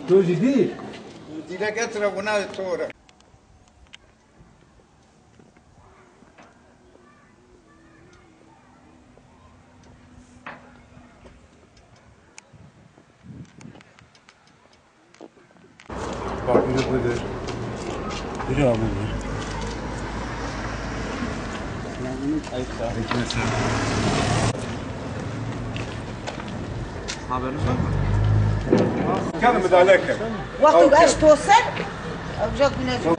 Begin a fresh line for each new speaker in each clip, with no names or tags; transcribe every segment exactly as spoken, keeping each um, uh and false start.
تو جدي
Dile getire buna sonra.
bak biri budur. Biri abudur.
Haberiniz var mı?
كان مدالك
وقت وقاش توصل رجعت من هجوم.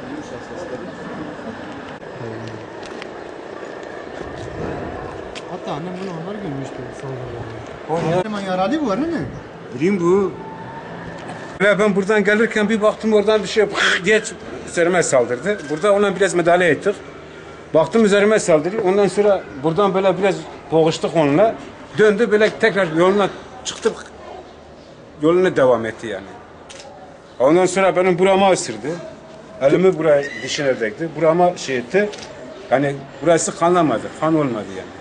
Hatta annem bunu onlar görmüştü sonra. Hemen yaralı bu var değil mi?
Bileyim bu. Ve ben buradan gelirken bir baktım oradan bir şey diye üzerime saldırdı. Burada ona biraz müdahale ettik. Baktım üzerime saldırıyor. Ondan sonra buradan böyle biraz boğuştuk onunla. Döndü böyle tekrar yoluna çıktık. Yoluna devam etti yani. Ondan sonra benim burama ısırdı. Elimi buraya dişine değdi. Burama şey etti. Yani burası kanlamadı. Kan olmadı yani.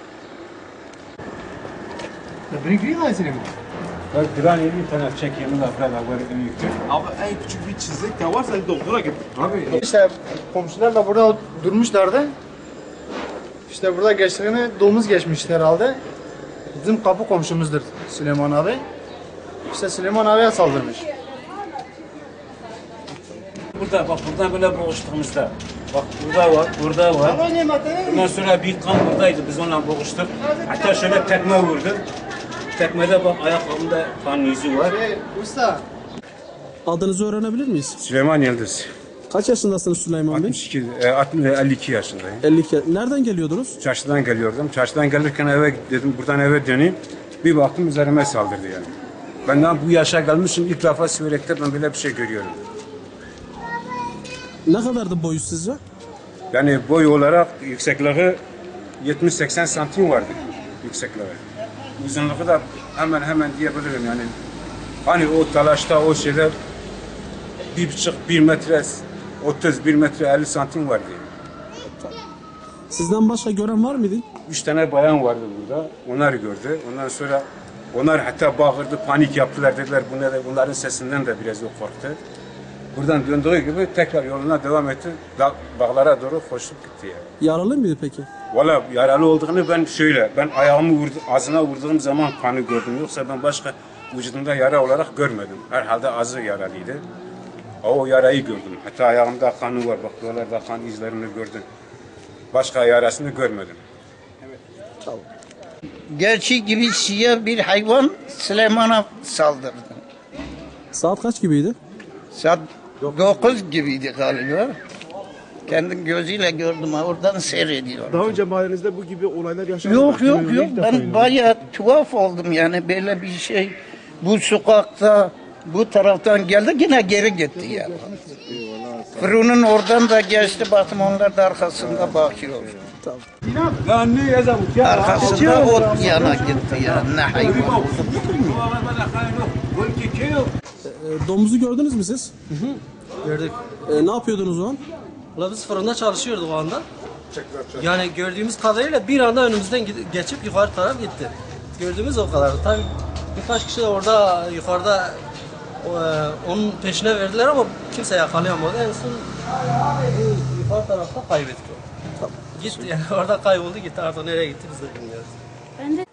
Bring bir daha mi?
Bak duran bir tane çekeyim de falan var büyüktür.
Abi en küçük bir çizik de varsa doktora git.
Abi
İşte komşular da burada durmuşlardı. İşte burada geçtiğini domuz geçmişti herhalde. Bizim kapı komşumuzdur Süleyman abi. İşte Süleyman abiye saldırmış.
burada bak buradan böyle boğuştuğumuzda. Bak burada var, burada var. Ondan sonra bir kan buradaydı. Biz onunla boğuştuk. Hatta şöyle tekme vurdu. Tekmede bak ayakkabımda kan yüzü var.
Hey, usta.
Adınızı öğrenebilir miyiz?
Süleyman Yıldız.
Kaç yaşındasınız Süleyman Bey?
altmış iki, e, altmış, elli iki yaşındayım.
elli iki. Nereden geliyordunuz?
Çarşıdan geliyordum. Çarşıdan gelirken eve dedim buradan eve döneyim. Bir baktım üzerime saldırdı yani. Ben daha bu yaşa gelmişim ilk defa Siverek'te ben böyle bir şey görüyorum.
Ne kadardı boyu sizce?
Yani boy olarak yüksekliği yetmiş seksen santim vardı yüksekliği. Uzunluğu da hemen hemen diyebilirim yani. Hani o talaşta o şeyde bir buçuk bir metre otuz bir metre elli santim vardı.
Sizden başka gören var mıydı?
Üç tane bayan vardı burada. Onlar gördü. Ondan sonra onlar hatta bağırdı, panik yaptılar dediler. Bunlar, bunların sesinden de biraz o korktu. Buradan döndüğü gibi tekrar yoluna devam etti. Da, dağlara doğru koşup gitti yani.
Yaralı mıydı peki?
Valla yaralı olduğunu ben şöyle, ben ayağımı vurdu, ağzına vurduğum zaman kanı gördüm. Yoksa ben başka vücudumda yara olarak görmedim. Herhalde ağzı yaralıydı. O yarayı gördüm. Hatta ayağımda kanı var. Bak buralarda kan izlerini gördüm. Başka yarasını görmedim.
Gerçi gibi siyah bir hayvan Süleyman'a saldırdı.
Saat kaç gibiydi?
Saat dokuz gibiydi galiba. Kendim gözüyle gördüm ha, oradan seyrediyorum.
Daha önce mahallenizde bu gibi olaylar yaşandı
Yok
mı?
yok yok, ben bayağı tuhaf oldum yani, böyle bir şey. Bu sokakta bu taraftan geldi yine geri gitti yani. Fırının oradan da geçti, baktım onlar da arkasında bakıyor. Arkasında ot yana gitti ya, ne hayvan.
E, domuzu gördünüz mü siz?
Gördük.
E, ne yapıyordunuz o an?
Valla biz fırında çalışıyorduk o anda. Yani gördüğümüz kadarıyla bir anda önümüzden gidip- geçip yukarı taraf gitti. Gördüğümüz o kadar. Tabii birkaç kişi de orada yukarıda o, e, onun peşine verdiler ama kimse yakalayamadı. En son bu yukarı tarafta kaybettik. Gitti yani orada kayboldu gitti, artık nereye gitti biz de bilmiyoruz.
Ben de